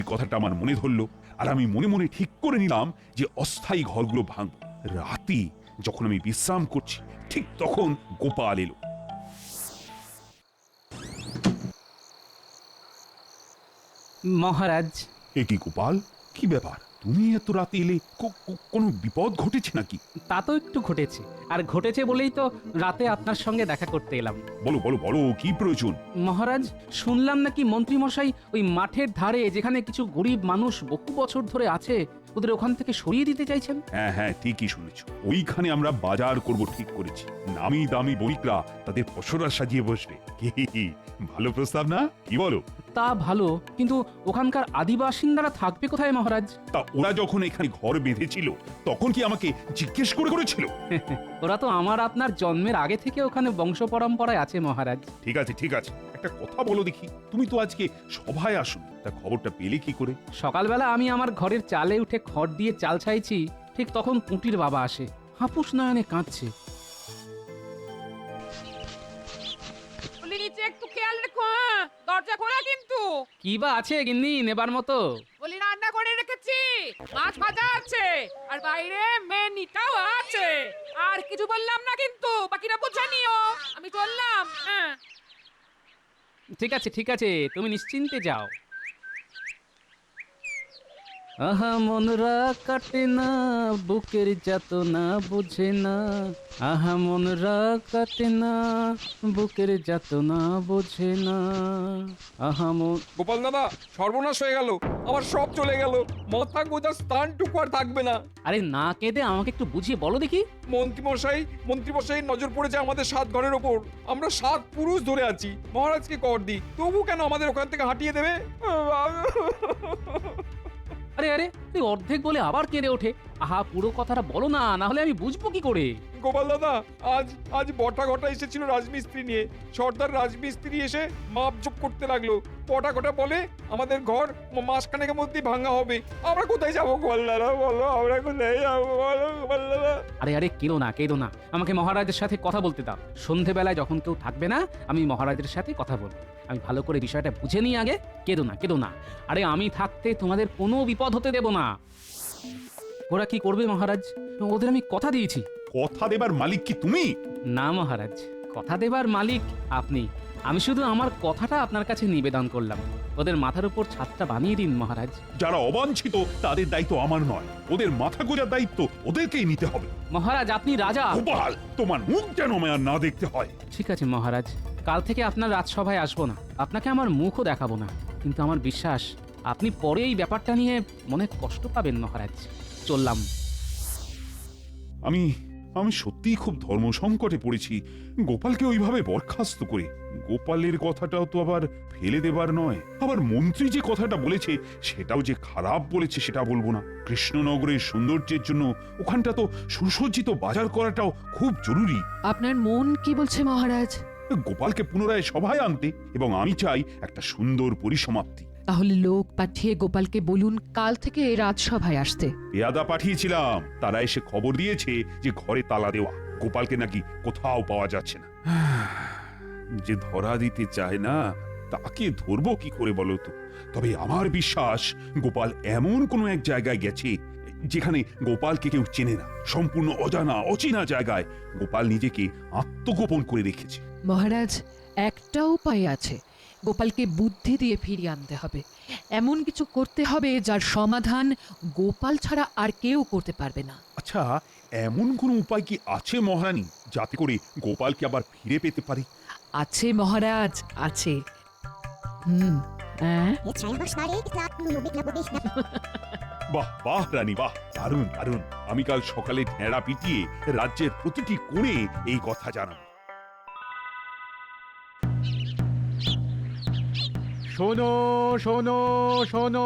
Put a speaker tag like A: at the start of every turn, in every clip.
A: কথাটা আমার মনে ধরলো, আর আমি মনে মনে ঠিক করে নিলাম যে অস্থায়ী ঘরগুলো ভাঙব। রাতে যখন আমি বিশ্রাম করছি, ঠিক তখন গোপাল এলো।
B: মহারাজ,
A: এ কি গোপাল, কি ব্যাপার? তুমি এত রাতে এলে? কোনো বিপদ ঘটেছে নাকি?
B: তা তো একটু ঘটেছে, আর ঘটেছে বলেই তো রাতে আপনার সঙ্গে দেখা করতে এলাম।
A: বলো বলো বলো, কি প্রয়োজন?
B: মহারাজ, শুনলাম নাকি মন্ত্রী মশাই ওই মাঠের ধারে যেখানে কিছু গরিব মানুষ বহু বছর ধরে আছে ওদের ওখান থেকে সরিয়ে দিতে চাইছেন।
A: হ্যাঁ হ্যাঁ, ঠিকই শুনেছো। ওইখানে আমরা বাজার করব ঠিক করেছি। নামি দামি বণিকরা তাদের পসরা সাজিয়ে বসবে। কি ভালো প্রস্তাব না, কি বলো?
B: তা ভালো, কিন্তু ওখানকার আদিবাসিন্দারা থাকবে কোথায় মহারাজ?
A: তা ওরা যখন এখানে ঘর বেঁধেছিল তখন কি আমাকে জিজ্ঞেস করেছিল?
B: ওরা তো আমার আপনার জন্মের আগে থেকে ওখানে বংশ পরম্পরায় আছে মহারাজ।
A: ঠিক আছে ঠিক আছে, একটা কথা বলো দেখি, তুমি তো আজকে সভায় আসো, তা খবরটা পেলে কি করে?
B: সকালবেলা আমি আমার ঘরের চালে উঠে খড় দিয়ে চাল ছাইছি, ঠিক তখন পুঁটির বাবা আসে, হাপুস নয়নে কাঁদছে।
C: নিচে একটু খেয়াল রেখো, দরজা খোলা কিন্তু।
B: কি বা আছে গিন্নি নেবার মতো?
C: বলি রান্না করে রেখেছি, মাছ ভাজা আছে, আর বাইরে মেনিটাও আছে। আর কিছু বললাম না কিন্তু, বাকিটা বুঝে নিও। আমি চললাম। হ্যাঁ,
B: ঠিক আছে, তুমি নিশ্চিন্তে যাও। আহা মনরা কাটে না, বুকের যাতনা বুঝে না। আহা মনরা কাটে না, বুকের যাতনা বুঝে না। আহা মন।
D: গোপাল দাদা, সর্বনাশ হয়ে গেল, আমার সব চলে গেল, মাথা গোজার স্থানটুকু আর থাকবে না।
B: আরে না কেঁদে আমাকে একটু বুঝিয়ে বলো দেখি।
D: মন্ত্রীমশাই নজর পড়েছে আমাদের 7 ঘরের ওপর। আমরা 7 পুরুষ ধরে আছি, মহারাজকে কর দিই, তবু কেন আমাদের ওখান থেকে হাঁটিয়ে দেবে?
B: আরে তুই অর্ধেক বলে আবার কেঁদে ওঠে। আহা পুরো কথাটা বলো না, না হলে আমি বুঝবো কি করে?
D: গোপাল দাদা, আজ বটা ঘটা এসেছিল রাজমিস্ত্রি নিয়ে। সর্দার রাজমিস্ত্রি এসে মাপজোপ করতে লাগলো। বটা ঘটা বলে আমাদের ঘর মাসখানেকের মধ্যেই ভাঙা হবে। আমরা কোথায় যাবো গোপাল দাদা, বলো আমরা কোথায় যাবো, বলো গোপাল দাদা।
B: আরে কেঁদো না, আমাকে মহারাজের সাথে কথা বলতে দাও। সন্ধেবেলায় যখন কেউ থাকবে না, আমি মহারাজের সাথে কথা বলবো। আমি ভালো করে বিষয়টা বুঝে নিই আগে। কেঁদো না। আরে আমি থাকতে তোমাদের কোনো বিপদ হতে দেব না। ওরা কি করবে মহারাজ? ওদের আমি কথা দিয়েছি।
A: কথা দেবার মালিক কি তুমি?
B: না মহারাজ, কথা দেবার মালিক আপনি। আমি শুধু আমার কথাটা আপনার কাছে নিবেদন করলাম। ওদের মাথার উপর ছাদটা বানিয়ে দিন মহারাজ।
A: যারা অবাঞ্ছিত তাদের দায়িত্ব আমার নয়, ওদের মাথা গোজার দায়িত্ব ওদেরকেই নিতে হবে।
B: মহারাজ আপনি রাজা।
A: গোপাল, তোমার মুখ যেন আমার না দেখতে হয়।
B: ঠিক আছে মহারাজ, কাল থেকে আপনার রাজসভায় আসবো না, আপনাকে আমার মুখও দেখাবো না। কিন্তু আমার বিশ্বাস আপনি পরে এই ব্যাপারটা নিয়ে মনে কষ্ট পাবেন মহারাজ। চললাম।
A: আমি সত্যিই খুব ধর্ম সংকটে পড়েছি গোপালকে ওইভাবে বরখাস্ত করে। গোপালের কথাটাও তো আবার ফেলে দেবার নয়। আবার মন্ত্রী যে কথাটা বলেছে সেটাও যে খারাপ বলেছে সেটা বলবো না। কৃষ্ণনগরের সৌন্দর্যের জন্য ওখানটা তো সুসজ্জিত বাজার করাটাও খুব জরুরি।
E: আপনার মন কি বলছে মহারাজ?
A: গোপালকে পুনরায় সভায় আনতে, এবং আমি চাই একটা সুন্দর পরিসমাপ্তি।
E: তাহলে লোক পাঠিয়ে গোপালকে বলুন কাল থেকে রাজসভায় আসতে।
A: পেয়াদা পাঠিয়েছিলাম, তারা এসে খবর দিয়েছে যে ঘরে তালা দেওয়া, গোপালকে নাকি কোথাও পাওয়া যাচ্ছে না। যে ধরা দিতে চায় না তাকে ধরবো কি করে বলো তো? তবে আমার বিশ্বাস গোপাল এমন কোনো এক জায়গায় গেছে যেখানে গোপালকে কেউ চেনে না। সম্পূর্ণ অজানা অচেনা জায়গায় গোপাল নিজেকে আত্মগোপন করে রেখেছে।
E: মহারাজ, একটা উপায় আছে। গোপালকে বুদ্ধি দিয়ে ফিরিয়ে আনতে হবে। এমন কিছু করতে হবে যার সমাধান গোপাল ছাড়া আর কেউ করতে পারবে না।
A: আচ্ছা, এমন কোনো উপায় কি আছে মহারানী, যাতে করে গোপালকে আবার ফিরে পেতে পারি?
E: আছে মহারাজ, আছে।
A: বাহ বাহ রানী, বাহ, দারুণ দারুণ। আমি কাল সকালে ঢেঁড়া পিটিয়ে রাজ্যের প্রতিটি কোণে এই কথা জানাবো।
F: শোনো শোনো শোনো,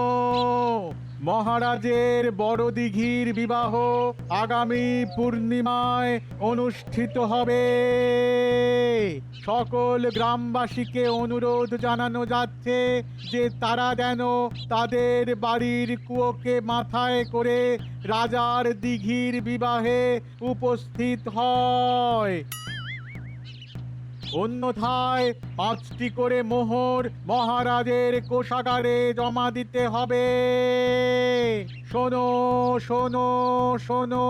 F: মহারাজের বড় দিঘির বিবাহ আগামী পূর্ণিমায় অনুষ্ঠিত হবে। সকল গ্রামবাসীকে অনুরোধ জানানো যাচ্ছে যে তারা যেন তাদের বাড়ির কুয়োকে মাথায় করে রাজার দিঘির বিবাহে উপস্থিত হয়। অন্যথায় 5টি করে মোহর মহারাজের কোষাগারে জমা দিতে হবে। শোনো শোনো শোনো।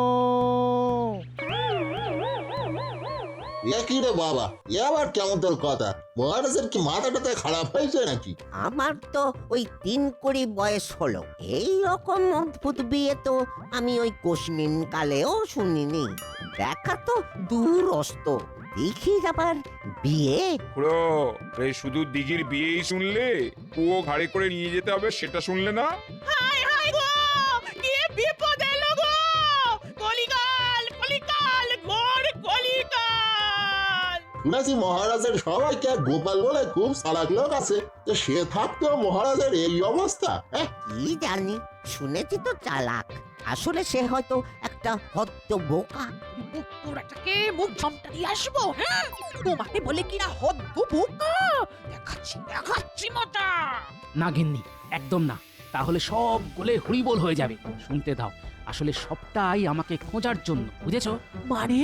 G: এ কি রে বাবা, এ আবার কেমন তোর কথা? মহারাজের কি মাথাটাতে খারাপ হয়েছে নাকি?
H: আমার তো ওই 3 কোটি বয়স হলো, এই রকম অদ্ভুত বিয়ে তো আমি ওই কোশমিন কালেও শুনিনি। দেখা তো দূরস্ত, দেখি আবার বিয়ে।
D: খুড়ো, এই শুধু দিঘির বিয়েই শুনলে? কুয়ো ঘাড়ে করে নিয়ে যেতে হবে সেটা শুনলে না?
C: হায় হায় গো, কি বিপদ এলো গো! কলিকাল, কলিকাল, ঘোর কলিকাল!
G: শুনেছি মহারাজের সবাইকে এক গোপাল বলে খুব চালাক লোক আছে, তো সে থাকতেও মহারাজের এই অবস্থা।
H: কি জানি, শুনেছি তো চালাক, আসলে সে হয়তো একটা হদ্দ বোকা।
C: পোড়াটাকে মুখ ঝমটা দিয়ে আসবো, হ্যাঁ? তোমাকে বলে কিনা হদ্দ বোকা! দেখাচ্ছি দেখাচ্ছি মজা!
B: না গিন্নি, একদম না। তাহলে সব গলে হরিবোল হয়ে যাবে। শুনতে দাও, আসলে সবটাই আমাকে খোঁজার জন্য, বুঝেছো?
C: মানে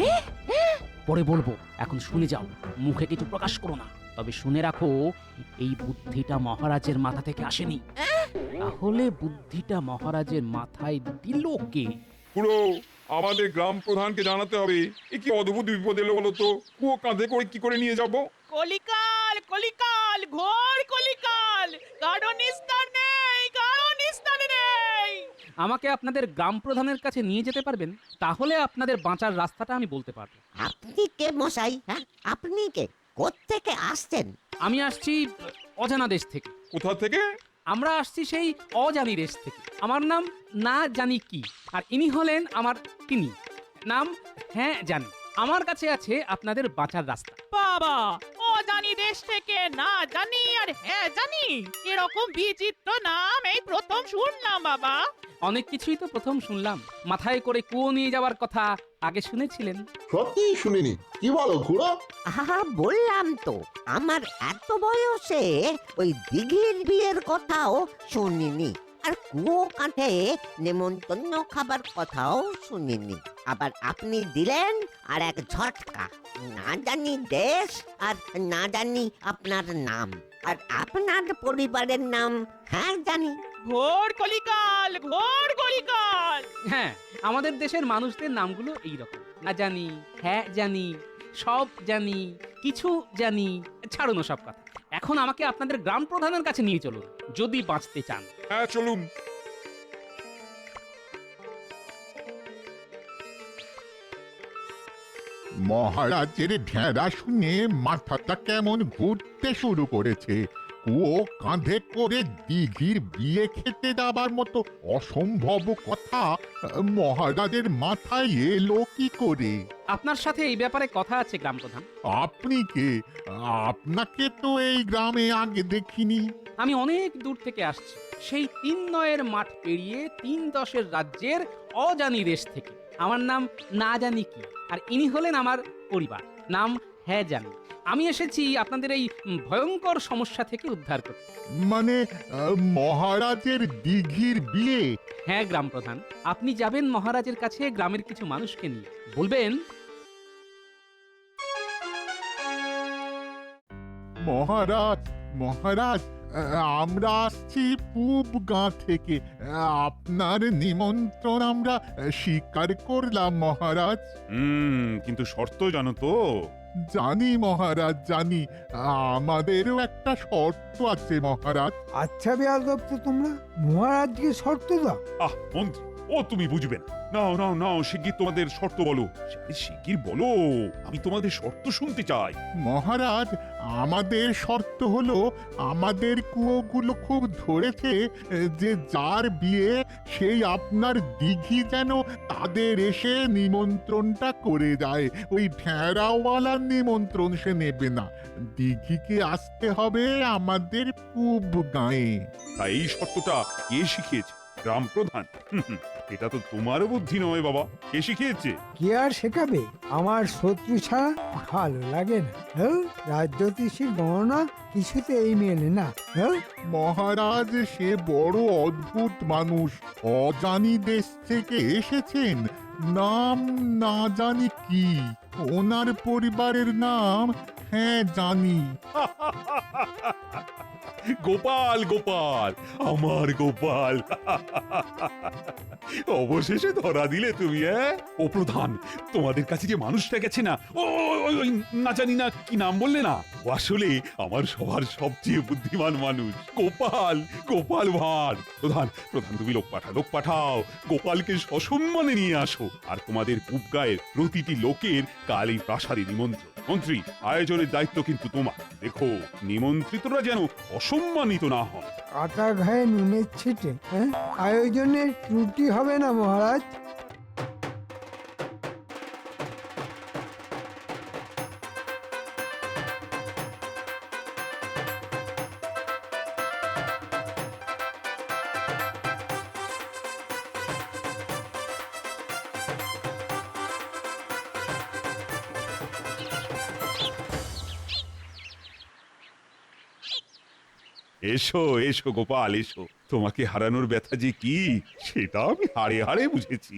B: পরে বলবো, এখন শুনে যাও, মুখে কিছু প্রকাশ করো না। তবে শুনে রাখো, এই বুদ্ধিটা মহারাজের মাথা থেকে আসেনি। তাহলে বুদ্ধিটা মহারাজের মাথায় দিল কে?
D: খুড়ো, আমাদের গ্রাম প্রধানকে জানাতে হবে। এ কি অদ্ভুত বিপদ এলো বলো তো? কুয়ো কাঁধে করে কি করে নিয়ে যাব?
C: কলিকাল, কলিকাল, ঘোর কলিকাল! কারো নিস্তার নেই, কারো নিস্তার নেই!
B: আমাকে আপনাদের গ্রাম প্রধানের কাছে নিয়ে যেতে পারবেন? তাহলে আপনাদের বাঁচার রাস্তাটা আমি বলতে পারবো।
H: আপনি কে মশাই? হ্যাঁ, আপনি কে? কোত্থেকে আসছেন?
B: আমি আসছি অজানা দেশ থেকে।
D: কোথা থেকে?
B: আমরা আসছি সেই অজানি দেশ থেকে। আমার নাম না জানি কি, আর ইনি হলেন আমার তিনি, নাম হ্যাঁ জানি। আমার কাছে আছে আপনাদের বাঁচার রাস্তা।
C: বাবা, ও জানি দেশ থেকে না জানি আর হ্যাঁ জানি, এরকম বিচিত্র নাম এই প্রথম শুনলাম বাবা।
B: অনেক কিছুই তো প্রথম শুনলাম। মাথায় করে কুয়ো নিয়ে যাওয়ার কথা আগে শুনেছিলেন?
G: সত্যিই শুনিনি। কি বলো খুড়ো?
H: আহা, বললাম তো, আমার এত বয়সে ওই দিঘির বিয়ের কথাও শুনিনি, আর কুয়ো কাঁধে নেমন্তন্ন খাবার কথাও শুনিনি। আবার আপনি দিলেন আর এক ঝটকা, না জানি দেশ আর না জানি আপনার নাম, আর আপনার পরিবারের নাম হ্যাঁ জানি।
C: ঘোর কলিকাল, ঘোর কলিকাল!
B: হ্যাঁ, আমাদের দেশের মানুষদের নামগুলো এইরকম। না জানি, হ্যাঁ জানি, সব জানি, কিছু জানি। ছাড়ুন সব কথা। এখন আমাকে আপনাদের গ্রাম প্রধানের কাছে নিয়ে চলুন, যদি বাঁচতে চান।
D: হ্যাঁ, চলুন।
I: মহারাজের ঢেঁড়া শুনে মাথাটা কেমন ঘুরতে শুরু করেছে। কুয়ো কাঁধে করে দিঘির বিয়ে খেতে যাবার মতো অসম্ভব কথা মহারাজের মাথায় এলো কি করে?
B: আপনার সাথে এই ব্যাপারে কথা আছে গ্রাম প্রধান।
I: আপনি কে? আপনাকে তো এই গ্রামে আগে দেখিনি।
B: আমি অনেক দূর থেকে আসছি, সেই 3 মাঠ পেরিয়ে 3 রাজ্যের অজানি দেশ থেকে। আমার নাম না জানি কি, আর ইনি হলেন আমার পরিবার, নাম হ্যাঁ জানি। আমি এসেছি আপনাদের এই ভয়ঙ্কর সমস্যা থেকে উদ্ধার করতে।
I: মানে মহারাজের দিঘির বিয়ে?
B: হ্যাঁ গ্রাম প্রধান, আপনি যাবেন মহারাজের কাছে গ্রামের কিছু মানুষকে নিয়ে, বলবেন
I: মহারাজ, মহারাজ, আমরা আসছি পূব গাঁ থেকে। আপনার নিমন্ত্রণ আমরা স্বীকার করলাম মহারাজ।
A: কিন্তু শর্ত জানো তো?
I: জানি মহারাজ, জানি। আমাদেরও একটা শর্ত আছে মহারাজ।
J: আচ্ছা বেয়াদব তো তোমরা, মহারাজকে শর্ত দাও।
A: মন্ত্রী, ও তুমি বুঝবে না। নাও নাও নাও, শিগগির তোমাদের শর্ত বলো। শিগগির বলো, আমি তোমাদের শর্ত শুনতে চাই।
I: মহারাজ, আমাদের শর্ত হলো, আমাদের কুয়োগুলো খুব ধরেছে যে যার বিয়ে সেই আপনার দিঘি যেন তাদের এসে নিমন্ত্রণটা করে যায়। ওই ঠেরাওয়ালার নিমন্ত্রণ সে নেবে না, দিঘিকে আসতে হবে আমাদের পূব গাঁয়ে।
A: তাই এই শর্তটা কে শিখিয়েছে? গ্রাম প্রধান? এটা তো তোমার বুদ্ধি নয় বাবা, কে শিখিয়েছে?
J: কে আর শেখাবে? আমার শত্রু ছাড়া ভালো লাগে না। হ্যাঁ, রাজ্যতীষীর গণনা কিছুতেই মেলে না। হ্যাঁ,
I: মহারাজ সে বড় অদ্ভুত মানুষ, অজানি দেশ থেকে এসেছেন, নাম না জানি কি, ওনার পরিবারের নাম হ্যাঁ জানি।
A: গোপাল গোপাল আমার গোপাল, অবশেষে ধরা দিলে তুমি। ও প্রধান, তোমাদের কাছে যে মানুষটা গেছে না, ওই না জানি না কি নাম বললে না, ও আসলে আমার সবার সবচেয়ে বুদ্ধিমান মানুষ, গোপাল, গোপাল ভাঁড়। প্রধান প্রধান তুমি লোক পাঠাও, গোপালকে সসম্মানে নিয়ে আসো। আর তোমাদের পূব গায়ের প্রতিটি লোকের কাল এই প্রাসাদে নিমন্ত্রণ। মন্ত্রী, আয়োজনের দায়িত্ব কিন্তু তোমার। দেখো নিমন্ত্রিতরা যেন অসম্মানিত না হয়।
J: কাটা ঘায়ে নুনের ছিটে, হ্যাঁ? আয়োজনের ত্রুটি হবে না মহারাজ।
A: এসো এসো গোপাল এসো, তোমাকে হারানোর ব্যথা যে কি সেটা আমি হাড়ে হাড়ে বুঝেছি।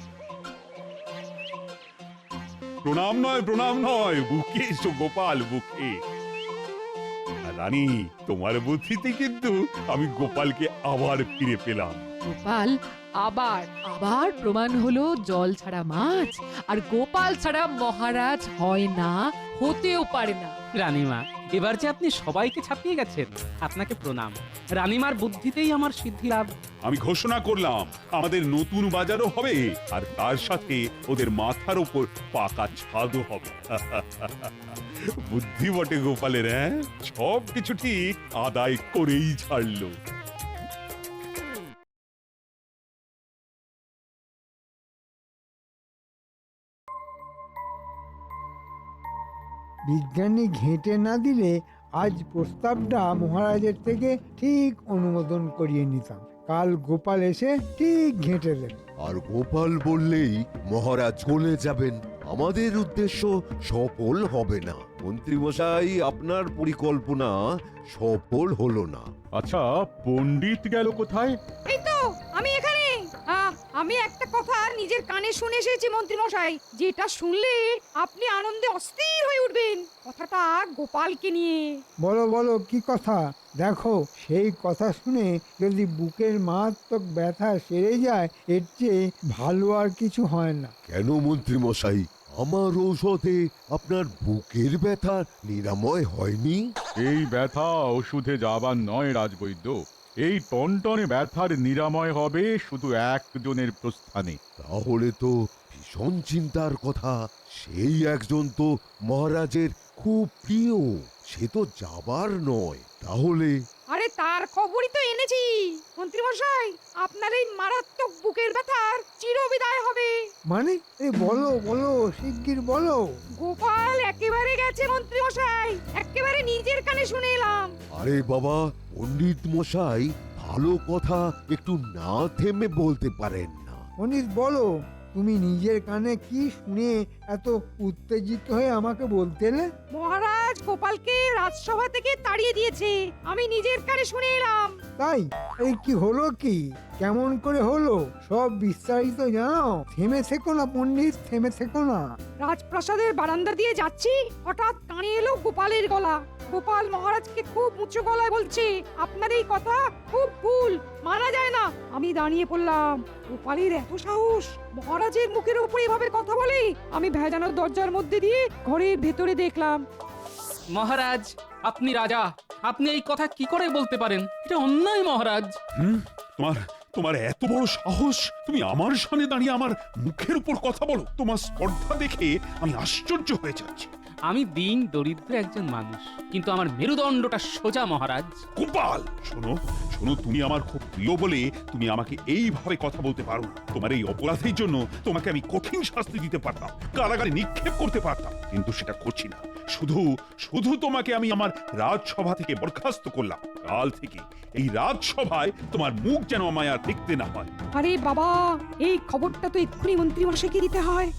A: প্রণাম নয়, বুকে এসো গোপাল, বুকে। আর রানী, তোমার বুদ্ধিতে কিন্তু আমি গোপালকে আবার ফিরে পেলাম।
E: গোপাল আবার আবার প্রমাণ হলো জল ছাড়া মাছ, আর গোপাল ছাড়া মহারাজ হয় না, হতেও পারে না।
B: রানীমা, এবার যে আপনি সবাইকে ছাপিয়ে গেছেন, আপনাকে প্রণাম। রানীমার বুদ্ধিতেই আমার সিদ্ধি লাভ।
A: আমি ঘোষণা করলাম আমাদের নতুন বাজারও হবে, আর তার সাথে ওদের মাথার উপর পাকা ছাদও হবে। বুদ্ধি বটে গোপালের, সব কিছু ঠিক আদায় করেই ছাড়লো।
J: বিজ্ঞানী ঘেঁটে না দিলে আজ প্রস্তাবটা মহারাজের থেকে ঠিক অনুমোদন করিয়ে নিতাম। কাল গোপাল এসে ঠিক ঘেঁটে দেবে।
K: আর গোপাল বললেই মহারাজ চলে যাবেন, আমাদের উদ্দেশ্য সফল হবে না। মন্ত্রীমশাই, আপনার পরিকল্পনা সফল হলো না।
F: আচ্ছা, পণ্ডিত গেল কোথায়?
C: এই তো আমি এখানে। আমি একটা কথা নিজের কানে শুনে এসেছি মন্ত্রী মশাই, যেটা শুনলে আপনি আনন্দে অস্থির হয়ে উঠবেন। কথাটা গোপালকে নিয়ে।
J: বলো বলো, কি কথা? দেখো, সেই কথা শুনে যদি বুকের মারাত্মক ব্যথা সেরে যায়, এর চেয়ে ভালো আর কিছু হয় না।
K: কেন মন্ত্রীমশাই, আমার ঔষধে আপনার বুকের ব্যথা নিরাময় হয়নি?
F: এই ব্যথা ওষুধে যাবার নয় রাজবৈদ্য, এই টনটনে ব্যথার নিরাময় হবে শুধু একজনের প্রস্থানে।
K: তাহলে তো ভীষণ চিন্তার কথা। সেই একজন তো মহারাজের খুব প্রিয়, সে তো যাবার নয়। তাহলে
C: আরে তার খবরই তো এনেছি মন্ত্রী মশাই, আপনার এই মারাত্মক বুকের ব্যথার চিরবিদায় হবে।
J: মানে বলো বলো, শিগগির বলো।
C: গোপাল একেবারে গেছে মন্ত্রী মশাই, একেবারে নিজের কানে শুনে এলাম।
K: আরে বাবা, পণ্ডিত মশাই, ভালো কথা একটু না থেমে বলতে পারেন না?
J: অনিত, বলো, তুমি নিজের কানে কি শুনে এত উত্তেজিত হয়ে আমাকে বলতে এলে?
C: মহারাজ গোপালকে রাজসভা থেকে তাড়িয়ে দিয়েছে, আমি নিজের কানে শুনে এলাম।
J: তাই? এই কি হলো, কি কেমন করে হলো সব বিস্তারিত জানাও। থেমে থেকো না পণ্ডিত, থেমে থেকো না।
C: রাজপ্রাসাদের বারান্দা দিয়ে যাচ্ছি, হঠাৎ কানে এলো গোপালের গলা। গোপাল মহারাজকে খুব উঁচু গলায় বলছে, আপনার এই কথা খুব ভুল, মানা যায় না। আমি দাঁড়িয়ে পড়লাম। গোপালের এত সাহস, মহারাজের মুখের উপর এভাবে কথা বলে। আমি ভেজানোর দরজার মধ্যে দিয়ে ঘরের ভেতরে দেখলাম।
B: মহারাজ, আপনি রাজা, আপনি এই কথা কি করে বলতে পারেন? এটা অন্যায় মহারাজ।
A: তোমার তোমার এত বড় সাহস, তুমি আমার সামনে দাঁড়িয়ে আমার মুখের উপর কথা বলো? তোমার স্পর্ধা দেখে আমি আশ্চর্য হয়ে যাচ্ছি।
B: আমি দিন দরিদ্র একজন মানুষ, কিন্তু আমার মেরুদণ্ডটা সোজা মহারাজ।
A: গোপাল, শোনো শোনো, তুমি আমার খুব প্রিয় বলে তুমি আমাকে এইভাবে কথা বলতে পারো না। তোমার এই অপরাধের জন্য তোমাকে আমি কঠিন শাস্তি দিতে পারতাম, কারাগারে নিক্ষেপ করতে পারতাম, কিন্তু সেটা করছি না। শুধু শুধু তোমাকে আমি আমার রাজসভা থেকে বরখাস্ত করলাম। কাল থেকে এই রাজসভায় তোমার মুখ যেন আমায় আর দেখতে না হয়।
C: আরে বাবা, এই খবরটা তো এক্ষুনি মন্ত্রী মশাইকে দিতে হয়।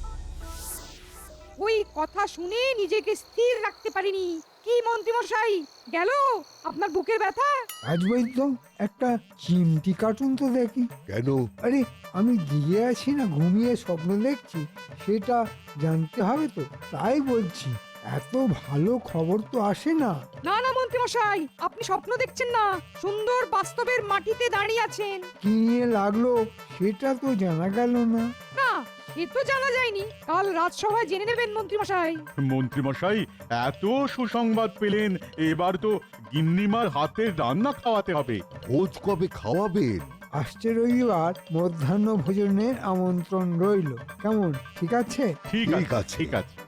C: ওই কথা শুনে নিজেকে স্থির রাখতে পারিনি। কি মন্ত্রী মশাই, গেল আপনার বুকের ব্যথা?
J: রাজবৈদ্য, একটা চিমটি কার্টুন তো দেখি।
K: কেন?
J: আরে আমি দিয়ে আছি না ঘুমিয়ে স্বপ্ন দেখছি, সেটা জানতে হবে তো, তাই বলছি। এত ভালো খবর তো আসে না।
C: না না মন্ত্রী মশাই, আপনি স্বপ্ন দেখছেন না, সুন্দর বাস্তবের মাটিতে দাঁড়িয়ে আছেন।
J: কি নিয়ে লাগলো সেটা তো জানা গেল না।
C: না, এ তো জানা যায়নি, কাল রাজসভায় জেনে নেবেন মন্ত্রী মশাই।
F: মন্ত্রীমশাই এত সুসংবাদ পেলেন, এবার তো গিন্নিমার হাতের রান্না খাওয়াতে হবে।
K: ভোজ কবে খাওয়াবেন?
J: আসছে রবিবার মধ্যাহ্ন ভোজনের আমন্ত্রণ রইল। কেমন, ঠিক আছে?
F: ঠিক
K: ঠিক
F: আছে
K: আছে।
F: ঠিক আছে।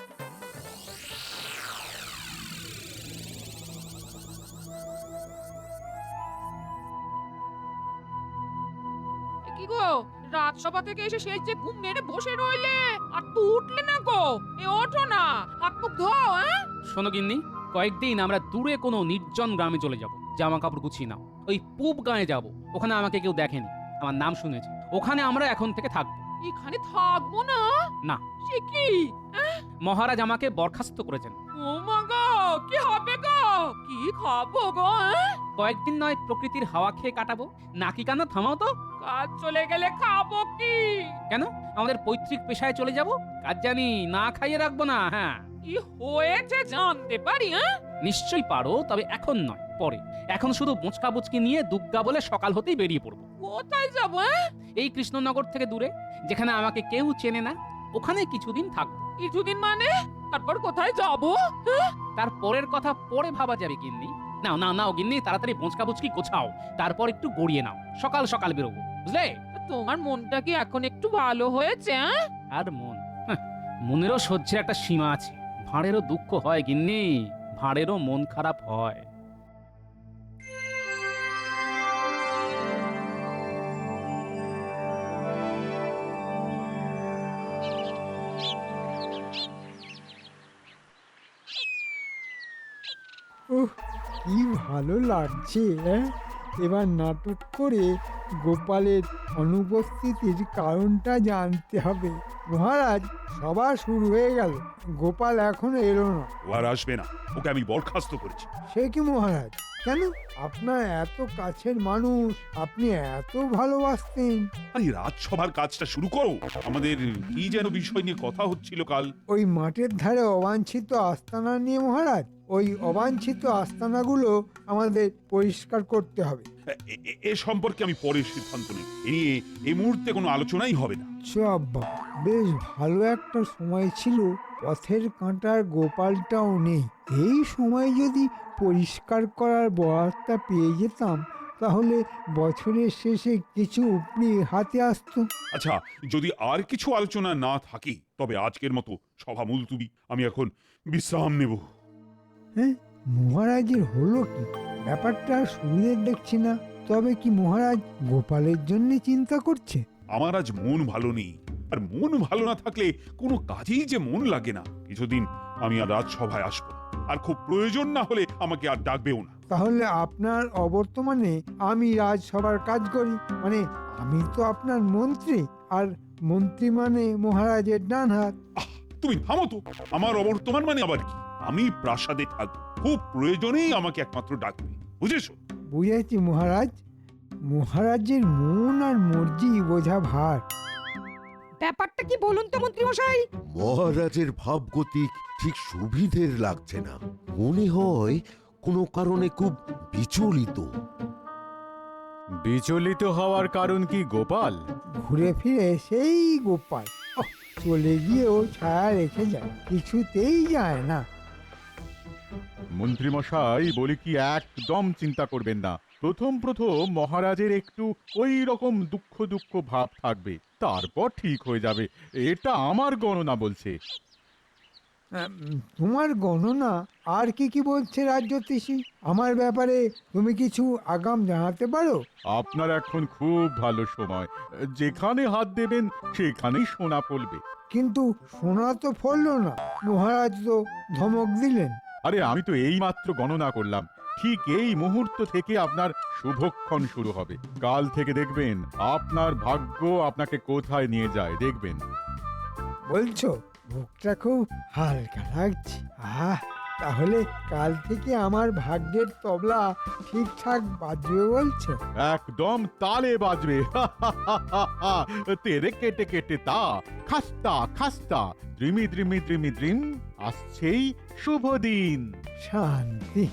L: কি গো, রাজসভা থেকে এসে সেই যে ঘুম মেরে বসে রইলে আর তো উঠলে না গো? এ ওঠো না, হাত মুখ ধোও।
B: শোনো গিন্নি, কয়েকদিন আমরা দূরে কোনো নির্জন গ্রামে চলে যাব, জামা কাপড় গুছিয়ে নাও। ওই পূব গাঁয়ে যাব, ওখানে আমাকে কেউ দেখেনি, আমার নাম শুনেছে। ওখানে আমরা এখন থেকে থাকবো।
L: এখানে থাকবো না?
B: না।
L: সে কি?
B: মহারাজ আমাকে বরখাস্ত করেছেন।
L: ও মা গো, কি হবে গো? কি খাবো গো?
B: কয়েকদিন নয় প্রকৃতির হাওয়া খেয়ে কাটাবো। নাকি কান্না থামাও তো।
L: কাজ চলে গেলে খাবো কি?
B: কেন, আমাদের পৈতৃক পেশায় চলে যাব? কাজ জানি, না খাইয়ে রাখবো না। হ্যাঁ,
L: কি হয়েছে জানতে পারি?
B: নিশ্চয়ই পারো, তবে এখন নয়, পরে। এখন শুধু বোঁচকা বুচকি নিয়ে দুগ্গা বলে সকাল হতেই বেরিয়ে পড়বো।
L: কোথায় যাবো?
B: এই কৃষ্ণনগর থেকে দূরে, যেখানে আমাকে কেউ চেনে না, ওখানে কিছুদিন থাকবো।
L: কিছুদিন মানে? তারপর কোথায় যাবো?
B: তারপরের কথা পরে ভাবা যাবে গিন্নি। নাও নাও নাও গিন্নি, তাড়াতাড়ি বোঁচকা বুচকি গোছাও, তারপর একটু গড়িয়ে নাও। সকাল সকাল বেরোবো, বুঝলে?
L: তোমার মনটা কি এখন একটু ভালো হয়েছে?
B: আর মন, মনেরও সহ্যের একটা সীমা আছে। ভাঁড়েরও দুঃখ হয় গিন্নি, ভাঁড়েরও মন খারাপ হয়।
J: ওহ, কি ভালো লাগছে। এবার নাটক করে গোপালের অনুপস্থিতির কারণটা জানতে হবে। মহারাজ, সভা শুরু হয়ে গেল, গোপাল এখনো এলো না।
A: ও আর আসবে না, ওকে আমি বরখাস্ত করেছি।
J: সে কি মহারাজ? কেন? আপনার এত কাছের মানুষ, আপনি এত ভালোবাসতেন।
A: আরে রাজসভার কাজটা শুরু করো। আমাদের কি যেন বিষয় নিয়ে কথা হচ্ছিল কাল।
J: ওই মাঠের ধারে অবাঞ্ছিত আস্তানা নিয়ে মহারাজ। ওই অবাঞ্ছিত আস্তানাগুলো আমাদের পরিষ্কার করতে হবে।
A: এ সম্পর্কে আমি পরে সিদ্ধান্ত নেব। এ নিয়ে এই মুহূর্তে কোনো আলোচনাই হবে না।
J: আব্বা, বেশ ভালো একটা সময় ছিল, পথের কাঁটার গোপালটাও নেই। এই সময় যদি পরিষ্কার করার বরাতটা পেয়ে যেতাম, তাহলে বছরের শেষে কিছু উপরি হাতে আসতো।
A: আচ্ছা, যদি আর কিছু আলোচনা না থাকে, তবে আজকের মতো সভা মুলতুবি। আমি এখন বিশ্রাম নেব।
J: হ্যাঁ, মহারাজের হলো কি? ব্যাপারটা সুবিধের দেখছি না। তবে কি মহারাজ গোপালের জন্য চিন্তা করছে?
A: আমার আজ মন ভালো নেই, আর মন ভালো না থাকলে কোনো কাজেই যে মন লাগে না। কিছুদিন আমি আর রাজসভায় আসবো না, আর খুব প্রয়োজন না হলে আমাকে আর ডাকবেও না।
J: তাহলে আপনার অবর্তমানে আমি রাজসভার কাজ করি, মানে আমি তো আপনার মন্ত্রী, আর মন্ত্রী মানে মহারাজের ডান হাত।
A: তুমি থামো তো। আমার অবর্তমান মানে আবার কি? আমি প্রাসাদে থাকবো, খুব প্রয়োজনেই আমাকে একমাত্র ডাকবে, বুঝেছো?
J: বুঝেছি মহারাজ। মহারাজের মন আর মর্জি বোঝা ভার।
C: ব্যাপারটা কি বলুন তো মন্ত্রী মশাই?
K: মহারাজের ভাবগতিক ঠিক সুবিধের লাগছে না। মনে হয় কোনো কারণে খুব বিচলিত।
F: বিচলিত হওয়ার কারণ কি গোপাল?
J: ঘুরে ফিরে সেই গোপাল। চলে গিয়েও ছায়া রেখে যায়, কিছুতেই যায় না।
F: মন্ত্রীমশাই বলি কি, একদম চিন্তা করবেন না। প্রথম মহারাজের একটু ওই রকম দুঃখ দুঃখ ভাব থাকবে, তারপর ঠিক হয়ে যাবে। এটা আমার গণনা বলছে।
J: তোমার গণনা আর কি কি বলছে রাজজ্যোতিষী? আমার ব্যাপারে তুমি কিছু আগাম জানাতে পারো?
F: আপনার এখন খুব ভালো সময়, যেখানে হাত দেবেন সেখানেই সোনা ফলবে।
J: কিন্তু সোনা তো ফললো না, মহারাজ তো ধমক দিলেন।
F: আরে আমি তো এই মাত্র গণনা করলাম, ঠিক এই মুহূর্ত থেকে আপনার শুভক্ষণ শুরু হবে। কাল থেকে দেখবেন আপনার ভাগ্য আপনাকে কোথায় নিয়ে যায়, দেখবেন।
J: বলছো? বুকটা খুব হালকা লাগছে। তাহলে কাল থেকে আমার ভাগ্যের তবলা ঠিকঠাক বাজবে বলছো?
F: একদম তালে বাজবে। তেরে কেটে কেটে তা খাস্তা খাস্তা দ্রিমি দ্রিমি দ্রিমি দ্রিম, আসছেই শুভ দিন।
J: শান্তি।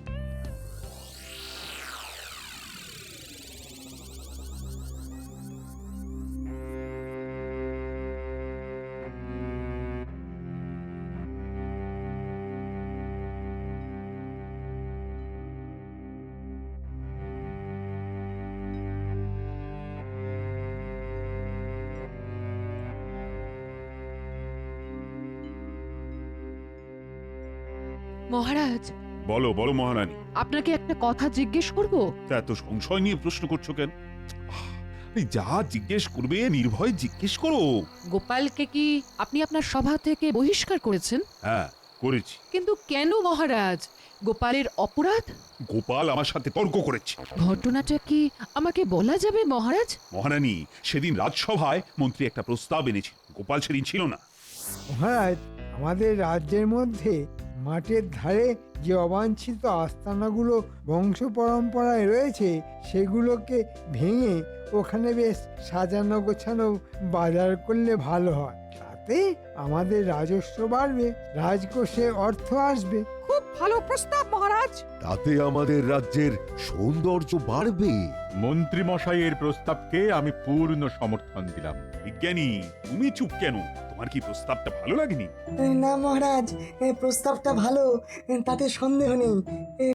E: মহারাজ,
A: বলো বলো মহারানী।
E: আপনাকে একটা কথা জিজ্ঞেস করব?
A: তা এত সংশয় নিয়ে প্রশ্ন করছো কেন? এই যা জিজ্ঞেস করবে নির্ভয় জিজ্ঞেস করো।
E: গোপালকে কি আপনি আপনার সভা থেকে বহিষ্কার করেছেন?
A: হ্যাঁ করেছি।
E: কিন্তু কেন মহারাজ? গোপালের অপরাধ?
A: গোপাল আমার সাথে তর্ক করেছে।
E: ঘটনাটা কি আমাকে বলা যাবে মহারাজ?
A: মহারানী, সেদিন রাজসভায় মন্ত্রী একটা প্রস্তাব এনেছে, গোপাল সেদিন ছিল না।
J: মহারাজ, আমাদের রাজ্যের মধ্যে মাঠের ধারে যে অবাঞ্ছিত আস্তানাগুলো বংশ পরম্পরায় রয়েছে সেগুলোকে ভেঙে ওখানে বেশ সাজানো গোছানো বাজার করলে ভালো হয়। তাতে আমাদের রাজস্ব বাড়বে, রাজকোষে অর্থ আসবে।
C: খুব ভালো প্রস্তাব মহারাজ।
K: তাতে আমাদের রাজ্যের সৌন্দর্য বাড়বে।
F: মন্ত্রী মশাইয়ের প্রস্তাবকে আমি পূর্ণ সমর্থন দিলাম।
A: বিজ্ঞানী, তুমি চুপ কেন? তোমার কি প্রস্তাবটা ভালো লাগেনি?
M: না মহারাজ, প্রস্তাবটা ভালো, তাতে সন্দেহ নেই।